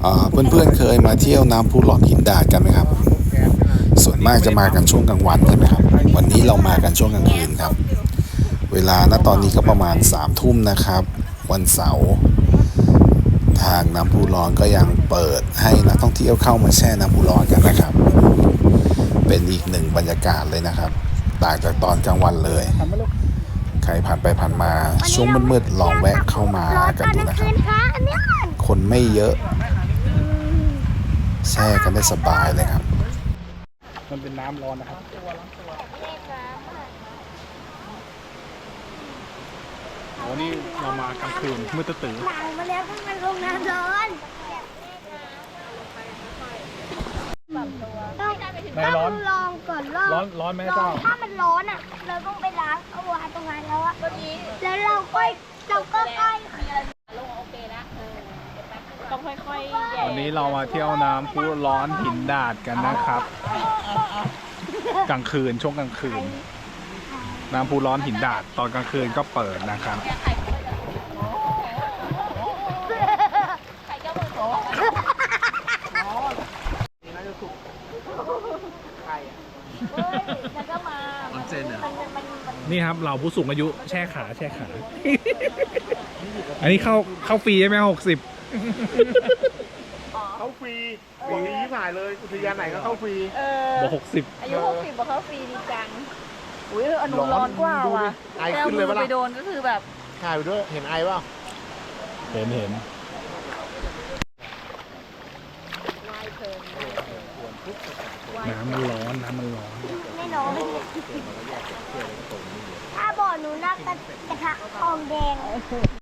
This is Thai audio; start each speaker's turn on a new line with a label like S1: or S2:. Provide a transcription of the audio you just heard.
S1: เพื่อนๆเคยมาเที่ยวน้ำพุร้อนหินดาดกันไหมครับส่วนมากจะมากันช่วงกลางวันใช่ไหมครับวันนี้เรามากันช่วงกลางคืนครับเวลาณตอนนี้ก็ประมาณ3 ทุ่มนะครับวันเสาร์ทางน้ำพุร้อนก็ยังเปิดให้นักท่องเที่ยวเข้ามาแช่น้ำพุร้อนกันนะครับเป็นอีกหนึ่งบรรยากาศเลยนะครับต่างจากตอนกลางวันเลยใครผ่านไปผ่านมาช่วงมืดๆลองแวะเข้ามากันดูนะครับคนไม่เยอะแช่กันได้สบายเลยครับ
S2: มันเป็นน้ำร้อนนะครับวันนี้เรามากลางคืนมืดตื้อ
S3: หลังมาแล้วมันลงน้ำร้อนต้องลองก่อน
S2: ร้อนไหมเจ้า
S3: ถ้ามันร้อนอ่ะเราต้องไปล้างเอาวางตรงนั้นแล้วอ่ะแล้วเราก็ค่อย
S4: ต้องค่อยๆแย่
S2: วันนี้เรามาเที่ยวน้ำพุร้อนหินดาดกันนะครับกลางคืนช่วงกลางคืนน้ำพุร้อนหินดาดตอนกลางคืนก็เปิดนะครับนี่ครับเราผู้สูงอายุแช่ขา อันนี้เข้าฟรีใช่ไหม60
S5: เข้าฟรีฟรีที่ผ่านเลยอุทยานไหนก็เข้าฟรี
S2: บอก60
S4: อายุ60บอกเขาฟรีดีจังอุ้ยอนุร้อนกว่าว่ะ
S5: ไอขึ้นเลยปะล่ะ
S4: ไปโดนก็คือแบบ
S5: ถ่ายไปด้วยเห็นไอเปล่า
S2: เห็นน้ำมันร้อน
S3: ไม่ร้อนถ้าบ่อหนูน่ากระทะทองแดง